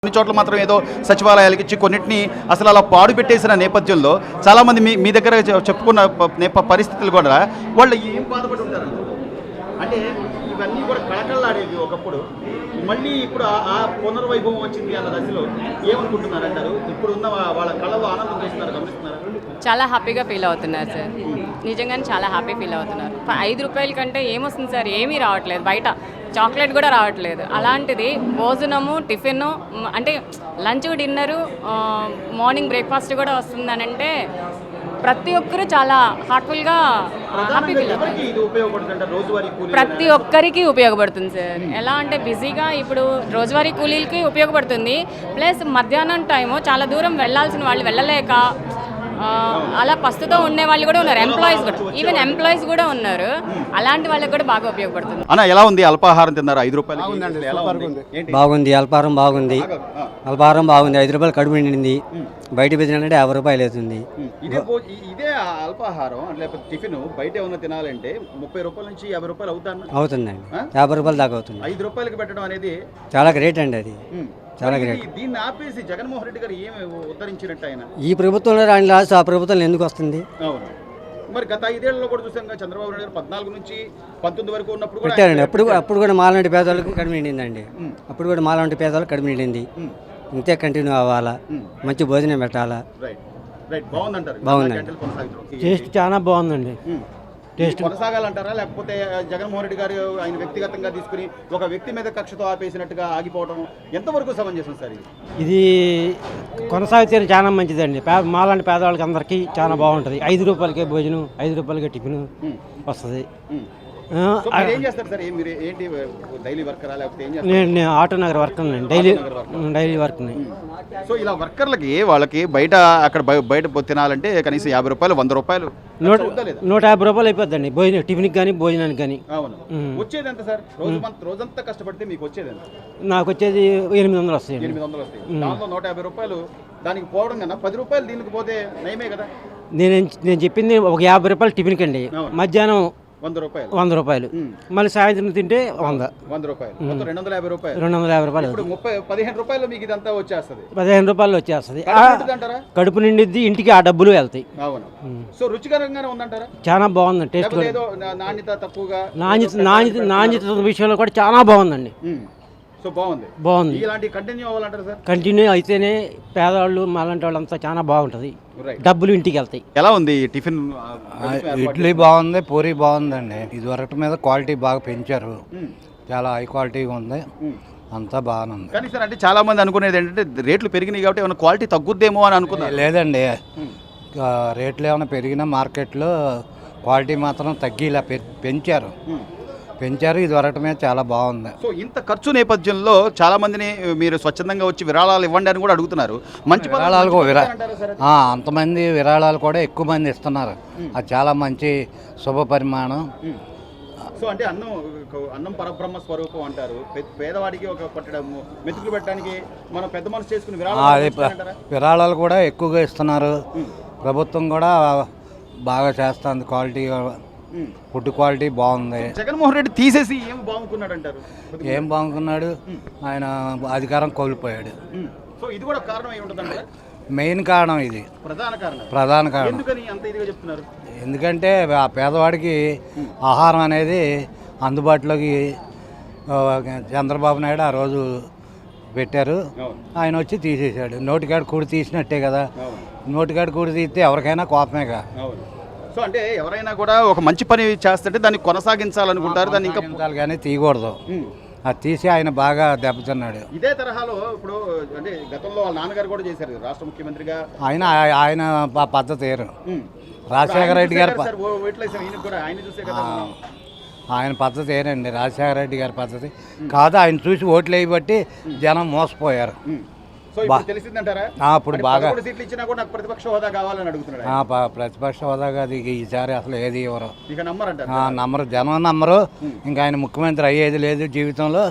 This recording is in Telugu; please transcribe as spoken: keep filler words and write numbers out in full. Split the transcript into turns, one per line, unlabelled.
కొన్ని చోట్ల మాత్రం ఏదో సచివాలయాలకు ఇచ్చి కొన్నిటిని అసలు అలా పాడు పెట్టేసిన నేపథ్యంలో చాలామంది మీ మీ దగ్గర చె- చెప్పుకున్న ప- నేప పరిస్థితులు కూడా వాళ్ళు ఏం బాధపడి ఉంటారు అంటే ఇవన్నీ కూడా కళకళలాడేవి ఒకప్పుడు మళ్ళీ ఇప్పుడు ఆ- ఆ పునర్వైభవం వచ్చింది అన్న దశలో ఏమనుకుంటున్నారు అంటారు ఇప్పుడు ఉన్న వా- వాళ్ళ కళలో ఆనందం చేస్తున్నారు గమనిస్తున్నారు
చాలా హ్యాపీగా ఫీల్ అవుతున్నారు సార్. నిజంగానే చాలా హ్యాపీ ఫీల్ అవుతున్నారు. ఫ- ఐదు రూపాయల కంటే ఏమొస్తుంది సార్, ఏమీ రావట్లేదు. బయట చాక్లెట్ కూడా రావట్లేదు. అలాంటిది భోజనము, టిఫిన్, అంటే లంచ్, డిన్నరు, మార్నింగ్ బ్రేక్ఫాస్ట్ కూడా వస్తుందని అంటే ప్రతి ఒక్కరూ చాలా హార్ట్ఫుల్గా హ్యాపీ ఫీల్ అవుతారు.
ఎవరికి ఇది ఉపయోగపడుతుంది అంటే రోజువారీ కూలీ
ప్రతి ఒక్కరికి ఉపయోగపడుతుంది సార్. ఎలా అంటే బిజీగా ఇప్పుడు రోజువారీ కూలీలకి ఉపయోగపడుతుంది. ప్లస్ మధ్యాహ్నం టైము చాలా దూరం వెళ్ళాల్సిన వాళ్ళు వెళ్ళలేక ఆ, అలా పస్తుతో ఉండే వాళ్ళు కూడా ఉన్నారు. ఎంప్లాయీస్ కూడా, ఈవెన్ ఎంప్లాయీస్ కూడా ఉన్నారు. అలాంటి వాళ్ళకి కూడా బాగా ఉపయోగపడుతుంది.
అన్న ఎలా ఉంది అల్పాహారం తిన్నారు ఐదు రూపాయలు ఎలా ఉంది ఏంటి
బాగుంది. అల్పాహారం బాగుంది. అల్పాహారం బాగుంది. ఐదు రూపాయలు కడుపు నిండింది. బయట బిజినెస్ యాభై రూపాయలు అవుతుంది.
ఇదే భో- ఇ- ఇదే అల్పాహారం అంటే లేకపోతే టిఫిన్ బయట ఏమన్నా తినాలంటే ముప్పై రూపాయల నుంచి యాభై రూపాయలు అవుతాను
అవుతుందండి.
ఆ?
యాభై రూపాయలు దాకా అవుతుంది.
ఐదు రూపాయలకి పెట్టడం అనేది
చాలా గ్రేట్ అండి అది.
ఉమ్,
చాలా
మరి
గ్రేట్.
ఇది- దీన్ని ఆపేసి జగన్మోహన్ రెడ్డి గారు ఏమి ఉద్ధరించినట్టు ఆయన
ఈ ప్రభుత్వంలో రాని లాస్ట్ ఆ ప్రభుత్వంలో ఎందుకు వస్తుంది?
అవును మరి గత ఐదేళ్లలో కూడా చూసాం కదా, చంద్రబాబు నాయుడు గారు పద్నాలుగు నుంచి పంతొమ్మిది వరకు ఉన్నప్పుడు కూడా
పెట్టారండి.
ఆయన
అప్పుడు అప్పుడు కూడా మాలాంటి పేదవాళ్ళకి కడుపు నిండిందండి.
ఉమ్.
అప్పుడు కూడా మాలాంటి పేదవాళ్ళకి కడుపు నిండింది.
ఉమ్,
ఇంతే కంటిన్యూ అవ్వాలా.
ఉమ్.
మంచి భోజనం పెట్టాలా.
రైట్ రైట్ బాగుందంటారు
బాగుందండి.
గంటలు కొనసాగుతారు.
టేస్ట్ చాలా బాగుందండి.
ఉమ్.
టేస్ట్
ఇది కొనసాగాలంటారా లేకపోతే జగన్మోహన్ రెడ్డి గారు ఆయన వ్యక్తిగతంగా తీసుకుని ఒక వ్యక్తి మీద కక్షతో ఆపేసినట్టుగా ఆగిపోవడం ఎంతవరకు సమంజసం సార్ ఇది
ఇది కొనసాగితే చాలా మంచిదండి. పే మాలాంటి పేదవాళ్ళకి అందరికీ చాలా బాగుంటుంది. ఐదు రూపాయలకే భోజనం, ఐదు రూపాయలకే టిఫిన్
ఉమ్,
వస్తుంది.
ఉమ్.
ఆ,
సో మీరు ఏం చేస్తారు సార్ ఏ- మీరు ఏంటి డైలీ వర్కరా లేకపోతే ఏం చేస్తారు
నేను నేను ఆటో నగర్ వర్క్ అండి. డైలీ డైలీ వర్క్
సో ఇలా వర్కర్లకి వాళ్ళకి బయట అక్కడ బయ- బయట పో- తినాలంటే కనీసం యాభై రూపాయలు వంద రూపాయలు
నూట
ఉందా లేదా?
నూట యాభై రూపాయలు అయిపోద్దండి భోజనం, టిఫిన్కి కానీ భోజనానికి కానీ.
అవును
ఉమ్.
వచ్చేది ఎంత సార్ రోజు మన- రోజంతా కష్టపడితే మీకు వచ్చేది ఎంత
నాకు వచ్చేది ఎనిమిది వందలు వస్తాయండి.
ఎనిమిది వందలు వస్తాయి దాంట్లో నూట యాభై రూపాయలు దానికి పోవడం కన్నా పది రూపాయలు దీనికి పోతే నయమే కదా
నేను నేను చెప్పింది ఒక యాభై రూపాయలు టిఫిన్కి అండి.
అవును.
మధ్యాహ్నం
వంద రూపాయలు
వంద రూపాయలు,
ఉమ్.
మళ్ళీ సాయంత్రం తింటే వంద,
వంద రూపాయలు మొత్తం రెండు వందల యాభై రూపాయలు
రెండు వందల యాభై రూపాయలు
ఇప్పుడు
అవుతుంది.
ముప్పై పదిహేను రూపాయలు మీకు ఇదంతా వచ్చేస్తుంది
పదిహేను రూపాయలు వచ్చేస్తుంది. ఆ,
కడుపు నిండుదంటారా?
కడుపు నిండిద్ది, ఇంటికి ఆ డబ్బులు వెళ్తాయి.
అవును సో రుచికరంగానే ఉందంటారా
చాలా బాగుంది టేస్ట్
లేకపోతే
కూడా.
ఏదో నా- నాణ్యత తక్కువగా
నాణ్యత నాణ్యత నాణ్యత విషయంలో కూడా చాలా బాగుందండి.
ఉమ్. సో బాగుంది
బాగుంది.
ఇలాంటి కంటిన్యూ అవ్వాలంటారు సార్
కంటిన్యూ అయితేనే పేదవాళ్ళు మాలాంటి వాళ్ళంతా చాలా బాగుంటుంది.
రైట్
డబ్బులు ఇంటికి వెళ్తాయి.
ఎలా ఉంది ఈ టిఫిన్ ఆ, ప్రభుత్వం
ఇడ్లీ
ఏర్పాటు
బాగుంది, పూరి బాగుందండి. ఇదివరకు మీద క్వాలిటీ బాగా పెంచారు.
ఉమ్,
చాలా హై క్వాలిటీగా ఉంది.
ఉమ్.
అంతా బాగానే ఉంది.
కానీ సార్ అంటే చాలా మంది అనుకునేది ఏంటంటే రేట్లు పెరిగినాయి కాబట్టి ఏమైనా క్వాలిటీ తగ్గుద్దేమో అని అనుకున్నారు
లేదండి,
ఉమ్,
ఆ, రేట్లు ఏమైనా పెరిగినా మార్కెట్లో క్వాలిటీ మాత్రం తగ్గిలా పె- పెంచారు
ఉమ్.
పెంచారు ఇదివరకు మీద చాలా బాగుంది.
సో ఇంత ఖర్చు నేపథ్యంలో చాలా మందిని మీరు స్వచ్ఛందంగా వచ్చి విరాళాలు ఇవ్వండి అని కూడా అడుగుతున్నారు మంచి పద్ధతి-
విరాళాలకు
మంచి
విరా
పద్ధతి అంటారా సార్ అది?
ఆ, అంతమంది విరాళాలు కూడా ఎక్కువ మంది ఇస్తున్నారు. అది చాలా మంచి శుభ పరిమాణం.
ఉమ్. సో అంటే అన్నం అన్నం పరబ్రహ్మ స్వరూపం అంటారు పే- పేదవాడికి ఒక పట్టడము మెతుకులు పెట్టడానికి మనం పెద్ద మనసు చేసుకుని
ఆ,
విరాళాలు
అది ప-
ఇస్తారంటారా?
విరాళాలు కూడా ఎక్కువగా ఇస్తున్నారు.
ఉమ్,
ప్రభుత్వం కూడా బాగా చేస్తుంది. క్వాలిటీ
ఉమ్.
ఫుడ్ క్వాలిటీ బాగుంది.
జగన్మోహన్ రెడ్డి తీసేసి ఏం బాగుంటున్నాడు అంటారు
ఏం బాగున్నాడు, ఆయన అధికారం కోల్పోయాడు.
ఉమ్. సో ఇది కూడా కారణం అయి ఉంటుందంటారా
మెయిన్ కారణం ఇది,
ప్రధాన కారణం
ప్రధాన కారణం.
ఎందుకని అంత ఇదిగా చెప్తున్నారు
ఎందుకంటే ఆ పేదవాడికి ఆహారం అనేది అందుబాటులోకి ఆ, చంద్రబాబు నాయుడు ఆ రోజు పెట్టారు.
అవును
ఆయన వచ్చి తీసేశాడు. నోటికాడ కూడి తీసినట్టే కదా.
అవును
నోటికాడ కూడి తీస్తే ఎవరికైనా కోపమేగా.
అవును సో అంటే ఎవరైనా కూడా ఒక మంచి పని చేస్తుంటే దాన్ని కొనసాగించాలనుకుంటారు దాన్ని ఇంకా
కొనసాగించాలి కానీ తీయకూడదు.
ఉమ్.
అది తీసి ఆయన బాగా దెబ్బతిన్నాడు.
ఇదే తరహాలో ఇప్పుడు అంటే గతంలో వాళ్ళ నాన్నగారు కూడా చేశారు రాష్ట్ర ముఖ్యమంత్రిగా
ఆయన ఆయన ప- పద్ధతి వేరు.
ఉమ్.
రాజశేఖర రెడ్డి గారి ప-
సార్ ఓ ఓట్లు వేసాం ఈయనకు కూడా ఆయన చూసే కదా
ఆ, ఆయన పద్ధతి ఏనండి రాజశేఖర రెడ్డి గారి పద్ధతి కాదు. ఆయన చూసి ఓట్లు వేయబట్టి జనం మోసపోయారు.
ఉమ్. సో ఇప్పుడు తెలిసిందంటారా
ఆ, ఇప్పుడు
అంటే
బాగా
పదకొండు సీట్లు ఇచ్చినా కూడా నాకు ప్రతిపక్ష హోదా కావాలని అడుగుతున్నాడు
ఆ,
ఆయన.
ప- ప్రతిపక్ష హోదాగా అది ఈసారి అసలు ఏది ఇవ్వరు.
ఇక నమ్మరంటారు
ఆ, నమ్మరు, జనం నమ్మరు. ఇంకా ఆయన ముఖ్యమంత్రి అయ్యేది లేదు జీవితంలో.